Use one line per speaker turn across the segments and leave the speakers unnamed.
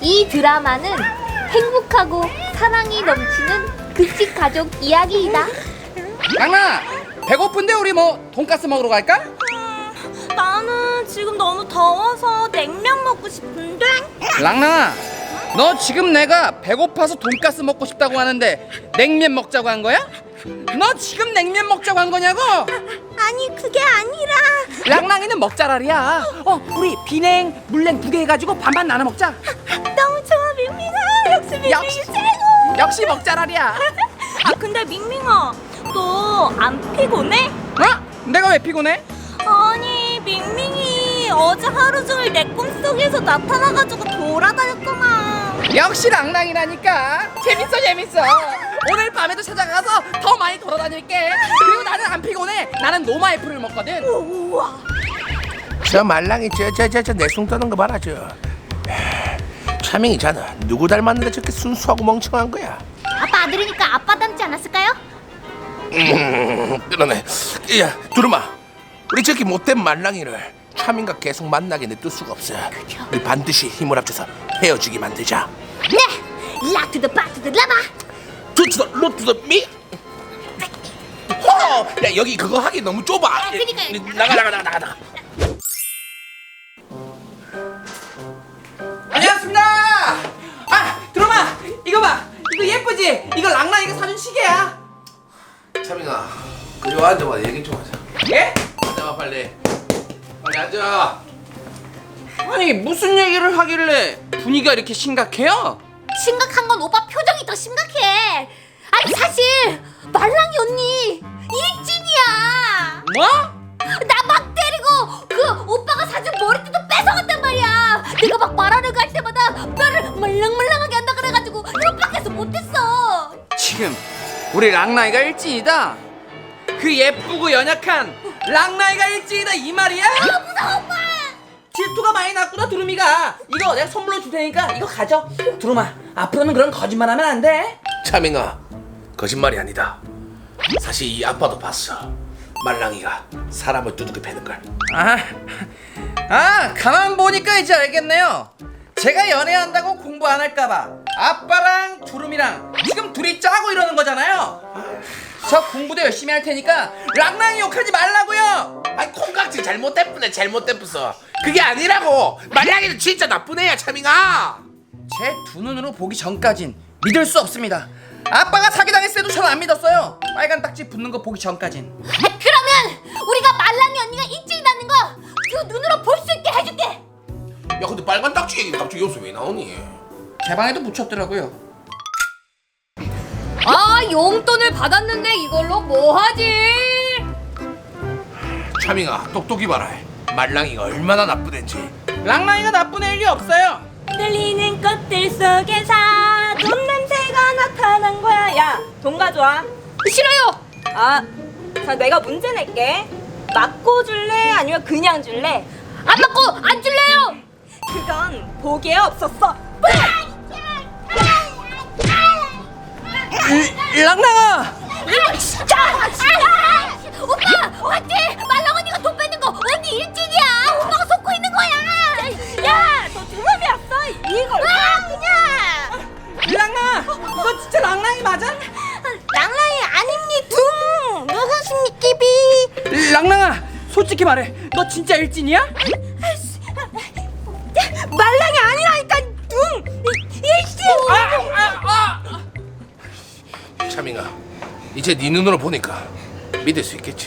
이 드라마는 행복하고 사랑이 넘치는 급식 가족 이야기이다.
랑랑아, 배고픈데 우리 뭐 돈가스 먹으러 갈까?
나는 지금 너무 더워서 냉면 먹고 싶은데.
랑랑아, 너 지금 내가 배고파서 돈가스 먹고 싶다고 하는데 냉면 먹자고 한 거야? 너 지금 냉면 먹자고 한 거냐고?
아니 그게 아니라.
랑랑이는 먹자랄이야. 우리 비냉, 물냉 두 개 해가지고 반반 나눠 먹자.
너무 좋아 밍밍아. 역시 밍밍이
역시.
최고.
역시 먹자랄이야.
아 근데 밍밍아, 너 안 피곤해?
내가 왜 피곤해?
아니 밍밍이 어제 하루 종일 내 꿈속에서 나타나가지고 돌아다녔구만.
역시 랑랑이라니까. 재밌어. 오늘 밤에도 찾아가서 더 많이 돌아다닐게. 그리고 나는 안 피곤해. 나는 노마이프를 먹거든.
우와.
저 말랑이 저 내숭 떠는 거 봐라 저. 차밍이잖아. 누구 닮았는데 저렇게 순수하고 멍청한 거야?
아빠 아들이니까 아빠 닮지 않았을까요?
그러네. 야 두루마, 우리 저기 못된 말랑이를 차밍과 계속 만나게 냅둘 수가 없어. 우리 반드시 힘을 합쳐서 헤어지게 만들자.
네! 락투더 바투더 라바!
투투더 로투더 미. 호! 야 여기 그거 하기 너무 좁아.
그니까요.
나가.
안녕하십니다. 들어마. 이거 봐. 이거 예쁘지? 이거 랑랑이가 사준 시계야.
차밍아, 그리 앉아봐. 얘기 좀 하자.
예?
앉아봐 빨리 앉아.
아니 무슨 얘기를 하길래 분위기가 이렇게 심각해요?
심각한 건 오빠 표정이 더 심각해. 아니 사실 말랑이 언니 일진이야.
뭐?
나 막 때리고 그 오빠가 사준 머리띠도 뺏어갔단 말이야. 내가 막 말하려고 할 때마다 뼈를 말랑말랑하게 한다 그래가지고 협박해서 못했어.
지금 우리 랑랑이가 일진이다. 그 예쁘고 연약한 랑랑이가 일진이다 이 말이야?
무서워 오빠.
질투가 많이 났구나 두루미가. 이거 내가 선물로 줄 테니까 이거 가져. 두루마, 앞으로는 그런 거짓말하면 안 돼.
차밍아, 거짓말이 아니다. 사실 이 아빠도 봤어. 말랑이가 사람을 두둑이 패는 걸.
가만 보니까 이제 알겠네요. 제가 연애한다고 공부 안 할까봐 아빠랑 두루미랑 지금 둘이 짜고 이러는 거잖아요. 저 공부도 열심히 할 테니까 랑랑이 욕하지 말라고요.
아이 콩깍지 잘못됐어. 그게 아니라고. 말랑이는 진짜 나쁜 애야 차밍아.
제 두 눈으로 보기 전까진 믿을 수 없습니다. 아빠가 사기당했을 때도 저는 안 믿었어요. 빨간 딱지 붙는 거 보기 전까진.
그러면 우리가 말랑이 언니가 일진이라는 거 그 눈으로 볼 수 있게 해줄게.
야 근데 빨간 딱지 얘기는 갑자기 여기서 왜 나오니?
제 방에도 붙였더라고요.
용돈을 받았는데 이걸로 뭐 하지?
차밍아 똑똑히 봐라. 말랑이가 얼마나 나쁜 애인지.
랑랑이가 나쁜 애일 없어요.
들리는 꽃들 속에서 돈 냄새가 나타난 거야. 야, 돈 가져와.
싫어요.
자 내가 문제 낼게. 맞고 줄래? 아니면 그냥 줄래?
안 맞고 안 줄래요.
그건 보기에 없었어.
랑랑아.
진짜. 오빠 맞지? 말랑 언니가 돈 뺏는 거 언니 일진이야. 오빠가 속고 있는 거야.
야, 너 두루미 왔어? 이걸 그냥.
랑랑아, 너 진짜 랑랑이 맞아?
랑랑이 아닙니 둥. 누구십니까 비?
랑랑아, 솔직히 말해. 너 진짜 일진이야?
말랑이 아니라니까 둥. 일진.
차밍아, 이제 네 눈으로 보니까 믿을 수 있겠지?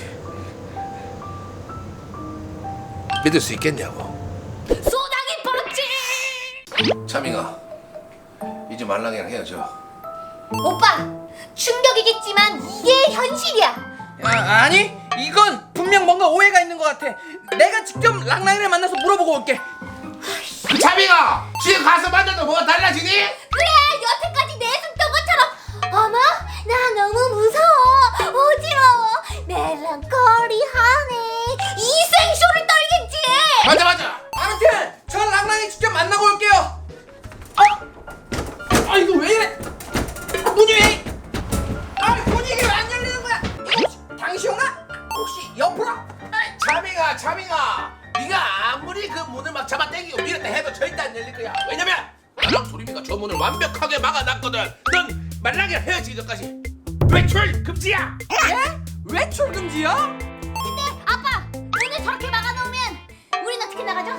믿을 수 있겠냐고.
소나기 버럭지.
차밍아, 이제 말랑이랑 헤어져.
오빠 충격이겠지만 이게 현실이야.
아니, 이건 분명 뭔가 오해가 있는 것 같아. 내가 직접 랑랑이를 만나서 물어보고 올게.
차밍아, 지금 가서 만나도 뭐가 달라지니?
그래 여태까지 내숭던 것처럼. 어머 나 너무 무서워 어지러워 멜랑콜리하네 이 생쇼를 떨겠지.
맞아.
아무튼 전 랑랑이 직접 만나고 올게요. 이거 왜 이래? 문이 왜? 문이 이게 왜 안 열리는 거야? 이거 혹시 당시오나? 혹시 옆으로?
차밍아, 네가 아무리 그 문을 막 잡아당기고 밀었다 해도 절대 안 열릴 거야. 왜냐면 나랑 두루미가 저 문을 완벽하게 막아놨거든. 넌 말랑이랑 헤어지기 전까지 외출 금지야.
예? 외출 금지요?
근데 아빠 문을 저렇게 막아놓으면 우린 어떻게 나가죠?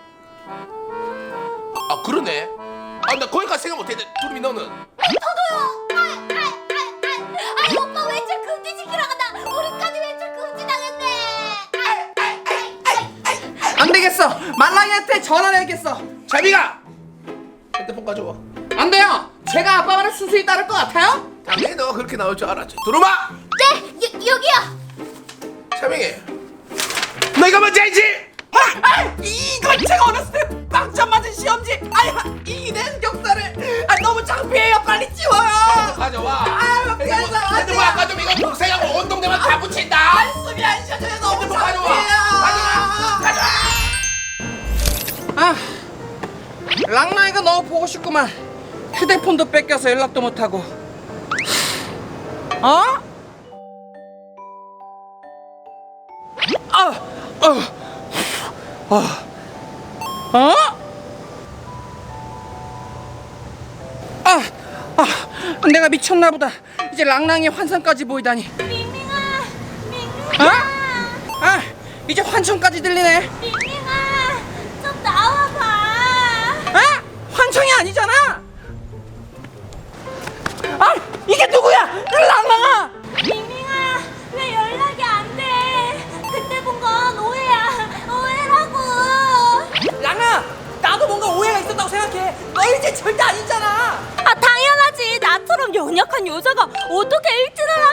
아 그러네. 아 나 거기까지 생각 못했는데 두루미 너는?
저도요. 아이 오빠 외출 금지 시키러 간다. 우리까지 외출 금지 당했네.
안 되겠어. 말랑이한테 전화를 해야겠어.
자비가 핸드폰 가져와.
안 돼요. 제가 아빠 말을 순순히 따를 것 같아요?
당연히 너가 그렇게 나올 줄 알았지. 두루마.
네, 여기요.
차명이 너 이거 뭔지 알지?
이건 제가 어렸을 때 빵점 맞은 시험지. 이낸 역사를 너무 창피해요. 빨리 지워요.
가져와.
그래서 안
핸드폰
돼요.
아까 좀 이거 동생하고 온 동네만 다 붙인다.
한숨이 안 쉬어져요. 너무
핸드폰 가져와.
창피해요. 아, 랑랑이가 너무 보고 싶구만. 휴대폰도 뺏겨서 연락도 못하고. 어? 내가 미쳤나 보다. 이제 랑랑이 환상까지 보이다니.
밍밍아.
이제 환청까지 들리네.
밍밍아. 좀 나와봐.
환청이 아니잖아. 이게 누구야? 랑랑아.
밍밍아. 왜 연락이 안 돼? 그때 본 건 오해라고.
랑아, 나도 뭔가 오해가 있었다고 생각해. 너 이제 절대 아니잖아.
당연하지. 나처럼 연약한 여자가 어떻게 1등을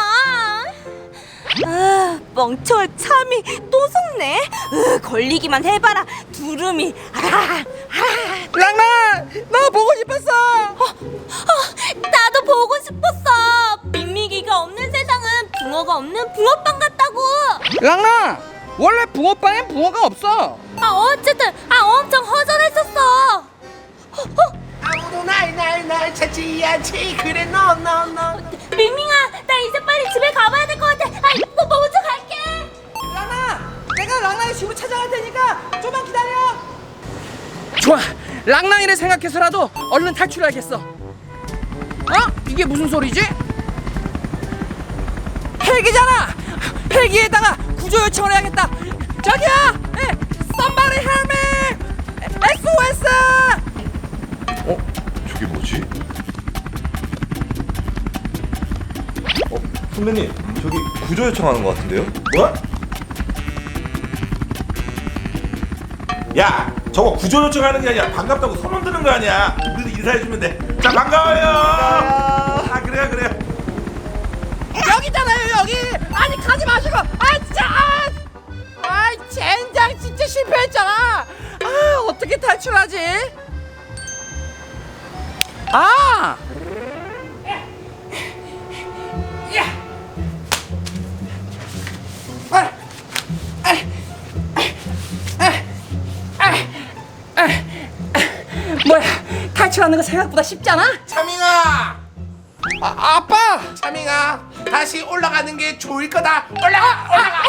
하겠어. 멍청한 참이 또 속네. 걸리기만 해봐라 두루미.
랑아, 너 보고 싶었어.
나도 보고 싶었어. 밍밍이가 없는 세상은 붕어가 없는 붕어빵 같다고.
랑아, 원래 붕어빵엔 붕어가 없어.
어쨌든 엄청 허전했었어.
아무도 날 찾지 않지. 그래 너.
밍밍아, 나 이제 빨리 집에 가봐야 될 것 같아. 먼저 갈게.
랑아, 내가 랑랑이 집으로 찾아갈 테니까 좀만 기다려. 좋아, 랑랑이를 생각해서라도 얼른 탈출해야겠어. 이게 무슨 소리지? 헬기잖아. 헬기에다가 구조 요청을 해야겠다. 저기요, somebody help me, SOS.
저게 뭐지? 선배님, 저기 구조 요청하는 것 같은데요?
뭐? 야, 저거 구조 요청하는 게 아니야. 반갑다고 손흔 드는 거 아니야. 우리도 인사해주면 돼. 자, 반가워요. 그래요.
여기잖아요, 여기. 아니, 가지 마시고. 진짜. 젠장 진짜 실패했잖아. 어떻게 탈출하지? 뭐야, 탈출하는 거 생각보다 쉽잖아?
차밍아.
아빠!
차밍아, 다시 올라가는 게 좋을 거다. 올라가.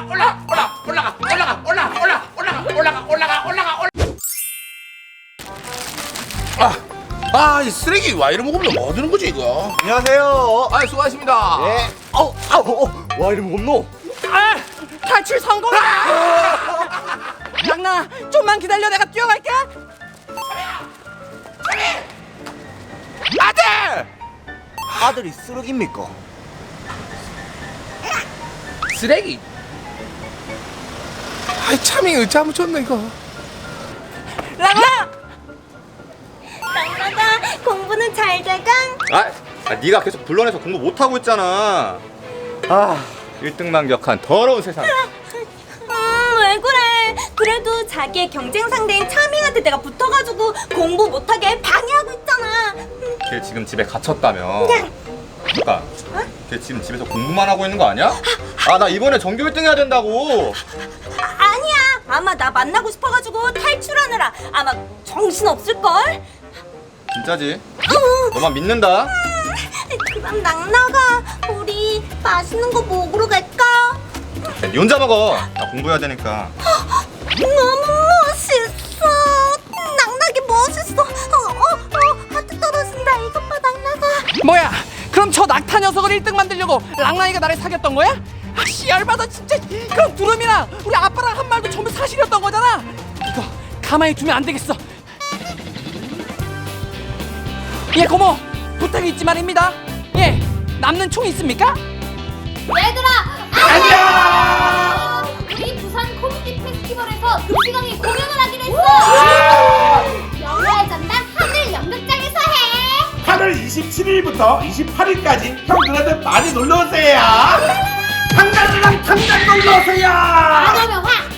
이 쓰레기 와 이런 먹으면 뭐 하는 거지 이거?
안녕하세요.
수고하십니다.
네. 와 이름 없노?
탈출 성공! 랑나, 좀만 기다려. 내가 뛰어갈게.
아들!
아들이 쓰레기입니까?
쓰레기?
차밍이 어찌하면 좋네 이거.
랑나!
랑랑아, 공부는 잘 돼가?
네가 계속 불러내서 공부 못하고 있잖아. 1등만 격한 더러운 세상.
왜 그래? 그래도 자기의 경쟁 상대인 차밍한테 내가 붙어가지고 공부 못하게 방해하고 있잖아.
걔 지금 집에 갇혔다며. 잠깐, 걔 지금 집에서 공부만 하고 있는 거 아니야? 나 이번에 전교 1등 해야 된다고.
아니야. 아마 나 만나고 싶어가지고 탈출하느라 아마 정신 없을걸?
진짜지? 너만 믿는다.
그럼 낭나가 우리 맛있는 거 먹으러 갈까?
네 혼자 먹어. 나 공부해야 되니까.
너무 멋있어. 낭나게 멋있어.
공부를 1등 만들려고 랑랑이가 나를 사귀었던 거야? 아, 씨알받아 진짜. 그럼 두루미랑 우리 아빠랑 한 말도 전부 사실이었던 거잖아. 이거 가만히 두면 안 되겠어. 예, 고모, 부탁이 있지 말입니다. 예, 남는 총 있습니까?
얘들아, 안녕! 우리 부산 코미디 페스티벌에서 도시강이 공연을 하기로 했어. 영화의 전당 하늘 연극장에서 해.
8월 27일부터 28일까지 형들한테 많이 놀러오세요. 당장 놀러오세요.
만화명화